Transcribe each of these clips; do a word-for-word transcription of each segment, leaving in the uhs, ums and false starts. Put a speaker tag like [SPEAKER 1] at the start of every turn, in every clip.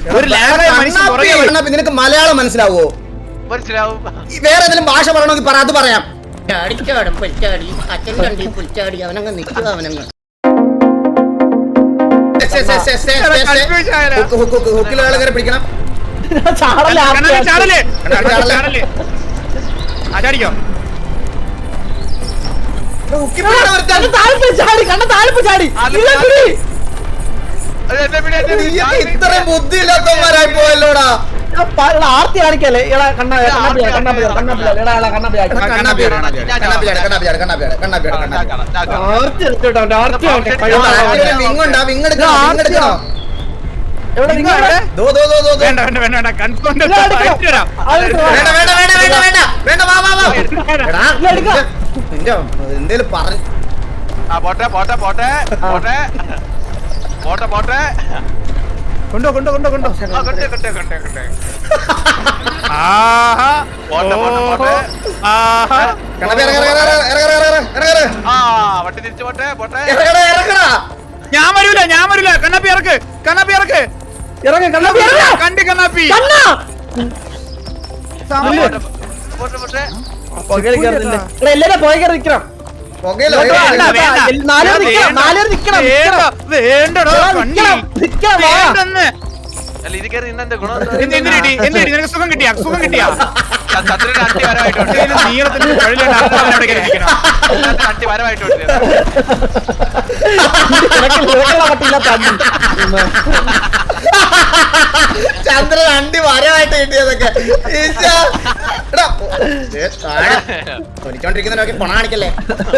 [SPEAKER 1] നിനക്ക് മലയാളം മനസ്സിലാവോ?
[SPEAKER 2] മനസ്സിലാവും.
[SPEAKER 1] വേറെ ഏതെങ്കിലും ഭാഷ പറയണമെങ്കിൽ പറ, അത് പറയാം.
[SPEAKER 3] ചാടിച്ചാടും പുൽച്ചാടി അച്ഛൻ കണ്ടി പുൽച്ചാടി അവനങ്ങ് നിൽക്കുക അവനങ്ങ്
[SPEAKER 1] ഹുക്കിലെ കയറി പിടിക്കണം. ഇത്രയും ബുദ്ധി ഇല്ലാത്തവന്മാരായി പോയല്ലോടാ.
[SPEAKER 4] ആർത്തി കാണിക്കല്ലേ
[SPEAKER 1] എന്തേലും പറഞ്ഞു
[SPEAKER 2] പോട്ടെ പോട്ടെ പോട്ടെ പോട്ടെ പോട്ടെ പോട്ടെ
[SPEAKER 4] കൊണ്ടോ കൊണ്ടോ കൊണ്ടോ കൊണ്ടോ
[SPEAKER 2] കൊണ്ടേ കൊണ്ടേ കൊണ്ടേ കൊണ്ടേ വട്ടി തിരിച്ചു പോട്ടെ പോട്ടെ.
[SPEAKER 5] ഞാൻ വരൂല ഞാൻ വരൂല. കണ്ണാപ്പി ഇറക്ക് കണ്ണാപ്പി ഇറക്ക്
[SPEAKER 4] ഇറങ്ങ കണ്ണാപ്പി
[SPEAKER 5] കണ്ടി കണ്ണാപ്പി
[SPEAKER 4] എല്ലാരും പോയി കയറി നിക്കണം.
[SPEAKER 5] സുഖം കിട്ടിയാ സുഖം കിട്ടിയാ
[SPEAKER 2] അട്ടി വരവായിട്ടുണ്ട് അട്ടി വരവായിട്ടുണ്ട്.
[SPEAKER 1] ചന്ദ്രൻ അണ്ടി വരവായിട്ട് കിട്ടിയതൊക്കെ ഒലിച്ചോണ്ടിരിക്കുന്നതിനൊക്കെ പണ കാണിക്കല്ലേ.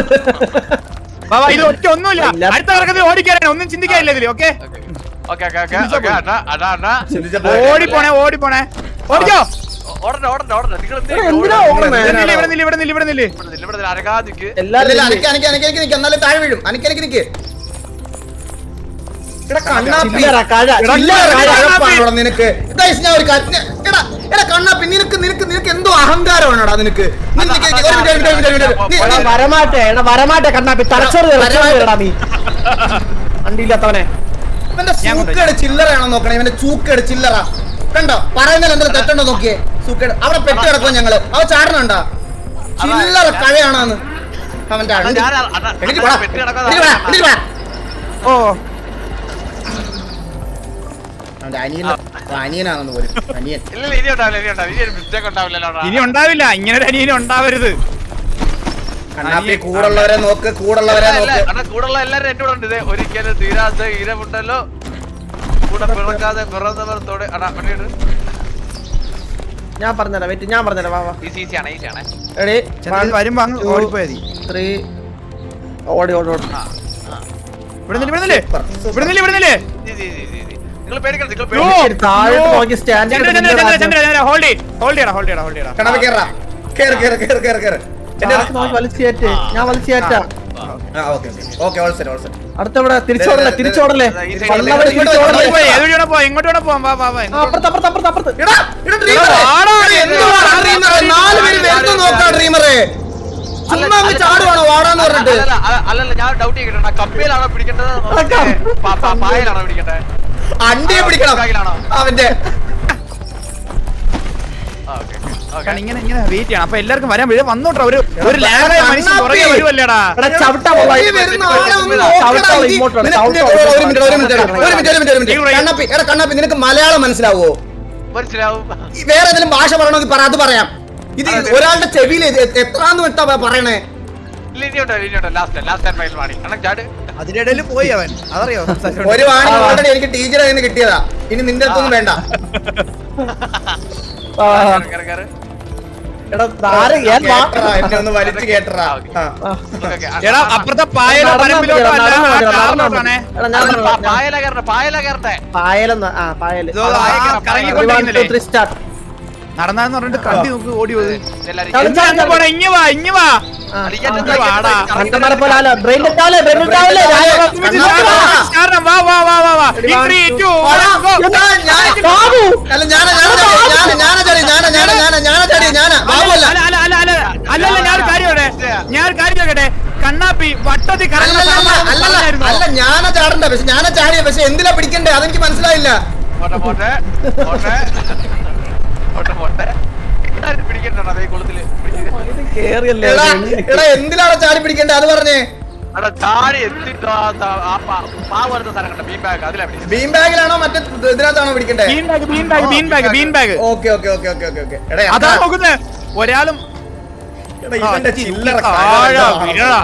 [SPEAKER 5] ഇത് ഒറ്റ ഒന്നുമില്ല. അടുത്ത കറക്കത്തിൽ ഓടിക്കാനാണ്, ഒന്നും ചിന്തിക്കാനില്ല ഇതില്. ഓക്കെ ഓടിപ്പോണേ ഓടിപ്പോണേ ഓടിക്കോ.
[SPEAKER 1] എന്നാലും താഴെ വീഴും. അനക്കനക്ക് നിക്ക് നിനക്ക് കണ്ണാപ്പി. നിനക്ക് നിനക്ക് നിനക്ക് എന്തോ അഹങ്കാരമാണോടാ നിനക്ക്.
[SPEAKER 4] വരമാട്ടെ വരമാട്ടെ കണ്ണാപ്പി തലച്ചോറ് നീ വണ്ടിയില്ലാത്തവനെ.
[SPEAKER 1] ഇവന്റെ സൂക്കേട് ചില്ലറയാണോ നോക്കണേ. ഇവന്റെ ചൂക്കേട് ചില്ലറ കണ്ടോ? പറയുന്നതിൽ എന്തെങ്കിലും തെറ്റുണ്ടോ നോക്കിയേ. സൂക്കേട് അവിടെ പെട്ട് കിടക്കുമോ ഞങ്ങള്. അവ ചാടണുണ്ടോ? ചില്ലറ കഴയാണോന്ന് അവന്റെ
[SPEAKER 4] ഓ
[SPEAKER 1] അനിയനാണെന്ന് പോലും. അനിയൻ
[SPEAKER 5] ഇനി ഉണ്ടാവില്ല. ഇങ്ങനെ ഒരു അനിയനും ഉണ്ടാവരുത്.
[SPEAKER 1] കണ്ണാപ്പി കൂടുള്ളവരെ നോക്ക്, കൂടുള്ളവരെ നോക്ക്.
[SPEAKER 2] കൂടുള്ള എല്ലാരും എന്റെ കൂടെ ഉണ്ട്. ഒരിക്കലും തീരാത്ത ഈരമുണ്ടല്ലോ കൂടെ പിറക്കാതെ പിറന്നവരത്തോടെ.
[SPEAKER 4] ഞാൻ പറഞ്ഞുതരാം വെയിറ്റ് ഞാൻ പറഞ്ഞുതരാം. വാ
[SPEAKER 2] ഈസിയാണ് ഈസിയാണ്.
[SPEAKER 5] വരുമ്പോ അങ്ങ് ഓടിപ്പോയത്.
[SPEAKER 4] ത്രീ ഓടി ഓടി ഓടി
[SPEAKER 5] ഇവിടെ ഇവിടെ ഇവിടെ ഇവിടെ
[SPEAKER 2] നിങ്ങൾ പേടിക്കണം.
[SPEAKER 5] ഹോൾഡ് ഹോൾഡ് ചെയ്യണം ഹോൾഡ് ചെയ്യണം ഹോൾഡ് ചെയ്യണം.
[SPEAKER 1] കണ്ണാപ്പി കേറാ. കേറ് കേറ് കേറ് കേറ് കേറ്.
[SPEAKER 4] വലിച്ചേറ്റ് ഞാൻ വലിച്ചേറ്റാ. അടുത്തവിടെ തിരിച്ചോടല്ലേ തിരിച്ചോടല്ലേ
[SPEAKER 5] എങ്ങോട്ട് പോവാം.
[SPEAKER 1] ചാടുവാണോ വാടാന്ന് പറഞ്ഞിട്ട്?
[SPEAKER 2] അല്ലല്ല ഞാൻ ഡൗട്ട് ചെയ്തിട്ടുണ്ട്. കപ്പയിലാണോ പിടിക്കേണ്ടത് പായലാണോ പിടിക്കേണ്ടത്?
[SPEAKER 1] അണ്ടിയെ പിടിക്കണം അവന്റെ.
[SPEAKER 5] ഇങ്ങനെ ഇങ്ങനെ വെയിറ്റ് ചെയ്യണം. അപ്പൊ എല്ലാവർക്കും വരാൻ വീട് വന്നോട്ടോ. ഒരു ഒരു ലാഗായ മനുഷ്യൻ പുറകെ വരുമല്ലേടാ.
[SPEAKER 1] കണ്ണാപ്പി നിനക്ക് മലയാളം മനസ്സിലാവോ?
[SPEAKER 2] മനസ്സിലാവും.
[SPEAKER 1] വേറെ ഏതെങ്കിലും ഭാഷ പറയണമെങ്കിൽ പറ, അത് പറയാം. ഇത് ഒരാളുടെ ചെവിയിൽ എത്രാന്ന് വിട്ടാ പറയണേ.
[SPEAKER 5] അതിനിടയിൽ പോയി അവൻ. അതറിയോ
[SPEAKER 1] ഒരു വാണി ഓൾറെഡി എനിക്ക് ടീച്ചറെ നിന്ന് കിട്ടിയതാ. ഇനി നിന്റെ അടുത്തൊന്നും വേണ്ട. എന്നെ ഒന്ന് വലിച്ചു കേട്ടറാ.
[SPEAKER 5] അപ്പുറത്തെ പായലോ പരമ്പിലോട്ടോ നടന്നാന്ന് പറഞ്ഞിട്ട് കണ്ടി നോക്ക് ഓടി പോയി. ഇങ്ങ വാ ഇങ്ങ വാ അല്ലല്ല ഞാനൊരു കാര്യം ഞാനൊരു കാര്യം ചോദിക്കട്ടെ. കണ്ണാപ്പി വട്ടത്തിൽ
[SPEAKER 1] അല്ല ഞാനാ ചാടണ്ട. പക്ഷെ ഞാനാ ചാടിയ. പക്ഷെ എന്തിനാ പിടിക്കണ്ടേ അതെനിക്ക് മനസ്സിലായില്ല.
[SPEAKER 2] പോട്ടെ പോട്ടെ പോട്ടെ പോട്ടെ പോട്ടെ എല്ലാരും പിടിക്കണ്ടോ അതേ കുളത്തില്
[SPEAKER 4] ഇത് കേറിയല്ലേ
[SPEAKER 1] എടാ എടാ എന്തിനാണ് ചാടി പിടിക്കേണ്ടത് അത് പറഞ്ഞേ.
[SPEAKER 2] അവിടെ ചാടി എത്തിട്ടോ ആ പാവരുന്ന സ്ഥലം കണ്ട ബീം ബാഗ് അതിലാ പിടിക്കുന്നത്.
[SPEAKER 1] ബീം ബാഗിലാണോ മറ്റേ ഇതിനകത്താണോ പിടിക്കണ്ടേ?
[SPEAKER 5] Bean bag bean bag bean bag bean bag
[SPEAKER 1] okay okay okay okay okay okay. എടാ
[SPEAKER 5] അതാ നോക്കുന്നത് ഒരാളും
[SPEAKER 1] എടാ ഇവന്റെ ചില്ലറ
[SPEAKER 5] താഴെ വീഴാം.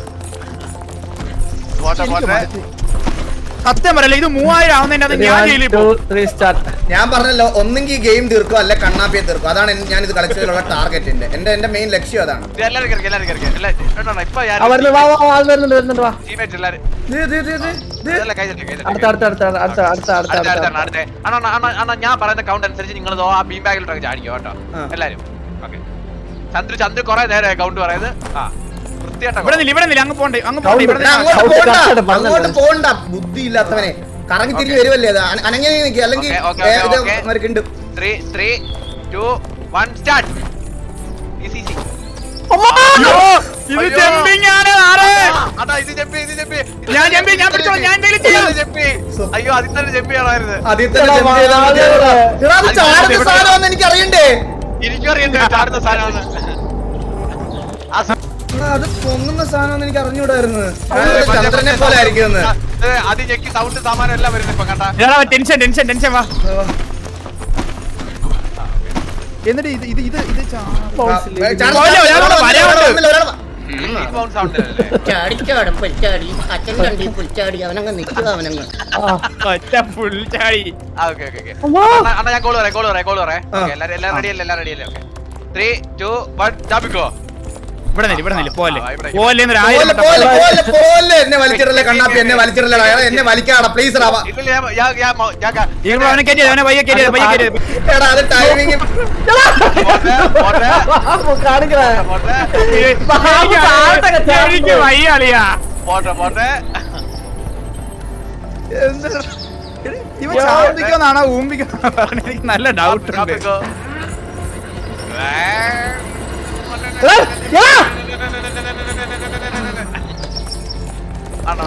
[SPEAKER 2] പോട്ടെ പോട്ടെ
[SPEAKER 5] സത്യം പറയല്ല ഇത് മൂവായിരം ആവുന്നതിന്റെ അത് ഞാൻ ജയിലിൽ പോകും.
[SPEAKER 4] സ്റ്റാർട്ട്.
[SPEAKER 1] ഞാൻ പറഞ്ഞല്ലോ ഒന്നെങ്കിൽ ഗെയിം തീർക്കും അല്ലെ കണ്ണാപ്പിയെ തീർക്കും. അതാണ് എൻ- ഞാൻ ഇത് കളിച്ചതിലുള്ള ടാർഗറ്റ്. എന്റെ എന്റെ മെയിൻ ലക്ഷ്യം അതാണ്.
[SPEAKER 2] ഇത് എല്ലാരും കയറി എല്ലാരും കയറി എല്ലാരും ഇപ്പൊ
[SPEAKER 4] ആ വരുന്നു വാ വാ വാ ആൾ വരുന്നുണ്ട് വരുന്നുണ്ട് വാ.
[SPEAKER 2] ടീമേറ്റ് എല്ലാരും
[SPEAKER 1] ദേ, ദേ, ദേ, ദേ, ദേ.
[SPEAKER 2] ഇതല്ല കൈ തട്ടി കൈ തട്ടി
[SPEAKER 4] അടുത്ത അടുത്ത അടുത്ത അടുത്ത അടുത്ത അടുത്ത
[SPEAKER 2] അടുത്ത
[SPEAKER 4] അടുത്ത
[SPEAKER 2] അടുത്താണ് അടുത്ത അണ്ണാ അണ്ണാ അണ്ണാ ഞാൻ പറയുന്ന കൗണ്ട് അനുസരിച്ച് നിങ്ങൾ ആ ബീം ബാഗിലോട്ടൊക്കെ ചാടിക്കോ കേട്ടോ
[SPEAKER 1] ആ.
[SPEAKER 2] എല്ലാരും ഓക്കെ ചന്ദ്രു ചന്ദ്രു കുറെ നേരം കൗണ്ട് പറയുന്നത് ആ വൃത്തിയായിട്ടാ
[SPEAKER 5] ഇവിടെ നില്ല ഇവിടെ നില്ല അങ്ങ് പോണ്ടേ അങ്ങ് പോണ്ടേ ഇവിടെ
[SPEAKER 1] എടാ,
[SPEAKER 5] നില്ല.
[SPEAKER 1] അങ്ങോട്ട്
[SPEAKER 4] Count
[SPEAKER 1] പോണ്ട
[SPEAKER 4] കറക്റ്റ് പറഞ്ഞത്.
[SPEAKER 1] അങ്ങോട്ട് പോണ്ട ബുദ്ധി ഇല്ലാത്തവനെ. കറങ്ങി തിരിഞ്ഞ് വരുമല്ലേ അത് അന- അനങ്ങനെ നിൽക്കുക അല്ലെങ്കിൽ
[SPEAKER 2] ഓക്കേ, ഓക്കേ,
[SPEAKER 1] ഏ, ഇത്
[SPEAKER 2] ഓക്കേ.
[SPEAKER 1] മരക്കുണ്ട്.
[SPEAKER 2] Three three two one start easy easy
[SPEAKER 5] അയ്യോ, ഇത്
[SPEAKER 2] അയ്യോ.
[SPEAKER 5] ജമ്പിങ് ആണ് ആറ്.
[SPEAKER 2] അതാ ഇത് ജമ്പി ഇത് ജമ്പി
[SPEAKER 5] ഞാൻ ജമ്പി ഞാൻ പിടിച്ചോളാം ഞാൻ എന്തെങ്കിലും ചെയ്യാം.
[SPEAKER 2] ജമ്പി അയ്യോ അതിൽ തന്നെ ജമ്പി ആണായിരുന്നു
[SPEAKER 1] അതിൽ തന്നെ
[SPEAKER 4] എടാ,
[SPEAKER 1] jump ചെയ്താൽ മതി.
[SPEAKER 4] വാ,
[SPEAKER 1] എടാ, അത് ചാടുന്ന സാധനമാണെന്ന് എനിക്ക് അറിയണ്ടേ.
[SPEAKER 2] എനിക്കും അറിയണ്ടേ ചാടുന്ന സാധനമാണ് ആ സ-
[SPEAKER 1] എടാ, അത് പൊങ്ങുന്ന സാധനം എനിക്ക് അറിഞ്ഞൂടായിരുന്നു. ചന്ദ്രനെ പോലെ ആയിരിക്കും
[SPEAKER 2] ഏ, അത് ഞെക്കി സൗണ്ട് സാമാനം എല്ലാം വരുന്നു ഇപ്പൊ കണ്ടാ
[SPEAKER 5] എടാ, ടെൻഷൻ ടെൻഷൻ ടെൻഷൻ വാ. എന്നിട്ട് ഇത് ഇത് ഇത് ഇത് ചാ-
[SPEAKER 2] സൗണ്ട് സൗണ്ട് അല്ലേ
[SPEAKER 3] ചാടിച്ചാടും പുൽച്ചാടി അച്ഛൻ കണ്ടി പുൽച്ചാടി അവനങ്ങ് നിൽക്കുക അവനങ്ങ്.
[SPEAKER 5] ഒറ്റ ഫുൾ ചാടി.
[SPEAKER 2] ആ ഓക്കെ ഓക്കെ ഓക്കെ അണ്ണാ ഞാൻ കോൾ പറയാം കോൾ പറയാം കോൾ പറയാം
[SPEAKER 1] ആ.
[SPEAKER 2] എല്ലാരും എല്ലാം റെഡി അല്ലേ എല്ലാം റെഡി അല്ലേ ഓക്കെ ത്രീ ടു വൺ ജാബിക്കോ
[SPEAKER 5] ഇവിടെ നില്ല ഇവിടെ നില്ല പോലെ
[SPEAKER 2] ആ, ഇവിടെ.
[SPEAKER 5] പോലെ എന്നൊരു
[SPEAKER 1] പോലെ,
[SPEAKER 5] ആയിരം
[SPEAKER 1] പോലെ, പോലെ, പോലെ. എന്നെ വലിച്ചിടല്ലേ കണ്ണാപ്പി, എന്നെ വലിച്ചിടല്ലടാ. എടാ, എന്നെ വലിക്കാടാ പ്ലീസ് റാവാ.
[SPEAKER 2] ഇല്ല ഞാൻ ഞാൻ ഞാൻ മൗ- ഞാൻ ക-
[SPEAKER 5] നിങ്ങൾ അവനെ കയറ്റിയത് അവനെ പയ്യെ കയറ്റിയത് പയ്യെ കയറ്റിയത്.
[SPEAKER 1] എടാ അത് ടൈമിങ്.
[SPEAKER 2] പോട്ടെ, പോട്ടെ,
[SPEAKER 4] കാണിക്കണേ
[SPEAKER 2] പോട്ടെ,
[SPEAKER 5] എനിക്ക് എനിക്ക് വയ്യ അളിയാ.
[SPEAKER 2] പോട്ടെ, പോട്ടെ.
[SPEAKER 5] ഇവ ചാടിക്കുന്നാണോ ഊമ്പിക്കുന്നാണോ എനിക്ക് നല്ല ഡൗട്ട് ഉണ്ട്.
[SPEAKER 2] ജാബിക്കോ. ഏ. ആണോ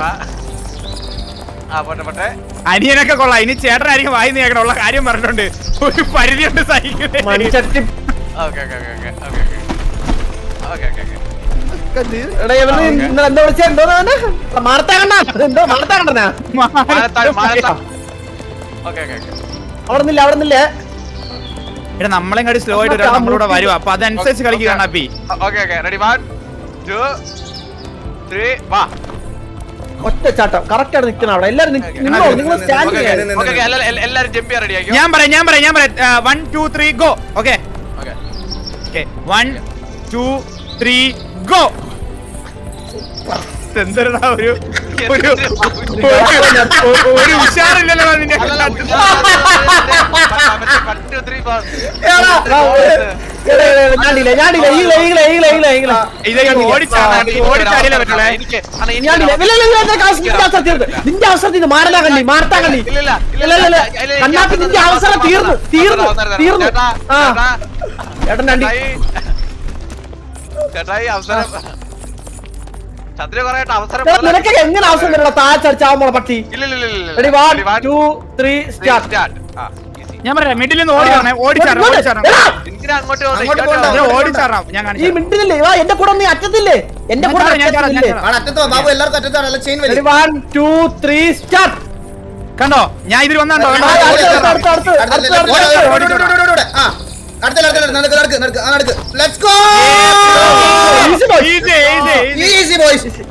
[SPEAKER 2] ആ പോട്ടെ പോട്ടെ
[SPEAKER 5] അനിയനൊക്കെ കൊള്ളാം. ഇനി ചേട്ടനായിരിക്കും വായി നീക്കണം ഉള്ള കാര്യം പറഞ്ഞിട്ടുണ്ട്. ഒരു പരിധിയുണ്ട് സഹിക്കുന്നത്.
[SPEAKER 4] മൺചട്ടി
[SPEAKER 2] okay okay okay okay okay okay okay okay
[SPEAKER 4] എടാ ഇവന് ഇന്നലെ എന്താ വിളിച്ച എന്തോ മാർത്താ കണ്ണ എന്തോ മാർത്താ കണ്ണനാ
[SPEAKER 2] മാനത്താഴ് മാനത്താഴ് ഓക്കെ ഓക്കെ ഓക്കെ
[SPEAKER 4] അവിടെ നിന്നില്ല അവിടെ നിന്നില്ലേ
[SPEAKER 5] എടാ നമ്മളെ കാട്ടി സ്ലോ ആയിട്ട് ഒരാൾ നമ്മളൂടെ വരും. അപ്പൊ അതനുസരിച്ച് കളിക്കുകയാണ് അപ്പി.
[SPEAKER 2] Okay okay ready one two three വാ
[SPEAKER 4] ഒറ്റ ചാട്ടം കറക്റ്റ് ആണ് നിൽക്കണം അവിടെ എല്ലാരും നിങ്ങളോ നിങ്ങൾ സ്റ്റാൻഡ്
[SPEAKER 2] ഓക്കെ
[SPEAKER 4] ചെയ്യാൻ
[SPEAKER 2] ഓക്കെ എല്ലാരും ജമ്പ് ചെയ്യാൻ റെഡി ആക്കിയോ
[SPEAKER 5] ഞാൻ പറയാം ഞാൻ പറയാം ഞാൻ പറയാം one two three go. Okay
[SPEAKER 2] okay
[SPEAKER 5] okay one two three go. എന്തെടാ ഒരു ഒരു ഒരു- ഒരു ഉഷാറില്ലല്ലോ നിന്റെ
[SPEAKER 4] ഞാനില്ല ഞാനില്ല ഈകളെ ഈകളെ ഈകളെ ഈകളെ ഈകളെ
[SPEAKER 5] ഇത് ഓടിച്ചാടാ ഓടിച്ചാടിയില്ല പറ്റുള്ളേ.
[SPEAKER 4] ഞാനില്ല ഇല്ല, ഇല്ല, ഇല്ല, നിന്റെ അവസരം- നിന്റെ അവസരം തീർന്നു നിന്റെ അവസരം തീർന്നു മാറനാ കണ്ടി മാർത്താ കണ്ടി ഇല്ല ഇല്ല ഇല്ല കണ്ണാപ്പി നിന്റെ അവസരം തീർന്നു തീർന്നു തീർന്നു ആ ചേട്ടൻ കണ്ടി
[SPEAKER 2] ചേട്ടായി അവസരം ചന്ദ്ര പറയട്ടെ അവസരം
[SPEAKER 4] എടാ, നിനക്ക് എങ്ങനെ അവസരം തരണം താഴ്ചടിച്ചാവുമ്പോൾ പട്ടി
[SPEAKER 2] ഇല്ല ഇല്ല ഇല്ല
[SPEAKER 4] ready one two three start
[SPEAKER 2] start ആ ഈസി
[SPEAKER 5] ഞാൻ പറയാം മിഡിൽ നിന്ന് ഓടിച്ചാണേ ഓടിച്ചാടാം ഓടിച്ചാടാം
[SPEAKER 2] എന്തിനാ അങ്ങോട്ട്
[SPEAKER 1] അങ്ങോട്ട്
[SPEAKER 2] പോകുന്നത്?
[SPEAKER 1] പോകണ്ട.
[SPEAKER 5] ഞാൻ ഓടിച്ചാടാം ഞാൻ
[SPEAKER 4] ഈ
[SPEAKER 5] കാണിച്ചു.
[SPEAKER 4] മിണ്ടില്ലേ വാ എന്റെ കൂടെ നീ അറ്റത്തില്ലേ എന്റെ കൂടെ
[SPEAKER 5] ഞാൻ ചാടാം, ഞാൻ ചാടാം, ഞാൻ
[SPEAKER 4] അറ്റത്തില്ലേ
[SPEAKER 5] ചാടാം.
[SPEAKER 1] അറ്റത്തോ ബാബു എല്ലാവർക്കും അറ്റത്താണ് ചെയിൻ വലി.
[SPEAKER 4] Ready one two three start
[SPEAKER 5] കണ്ടോ ഞാൻ ഇതിൽ വന്നാണ്ടോ
[SPEAKER 1] ആ,
[SPEAKER 5] കണ്ടോ?
[SPEAKER 1] ഓടി
[SPEAKER 4] അടുത്ത,
[SPEAKER 1] കയറാം.
[SPEAKER 4] അടുത്ത, അടുത്ത,
[SPEAKER 1] അടുത്ത,
[SPEAKER 4] അടുത്ത,
[SPEAKER 1] അടുത്ത,
[SPEAKER 4] അടുത്ത,
[SPEAKER 1] അടുത്ത,
[SPEAKER 5] അടുത്ത,
[SPEAKER 1] അടുത്ത, അടുത്ത, അടുത്ത, അടുത്ത. ആ, അടുത്ത, അടുത്ത, അടുത്ത, നടക്ക്, നടക്ക്, നടക്ക്, ആ, നടക്ക്. Let's go!
[SPEAKER 4] Easy boys.
[SPEAKER 5] Easy, easy, easy.
[SPEAKER 1] Easy boys.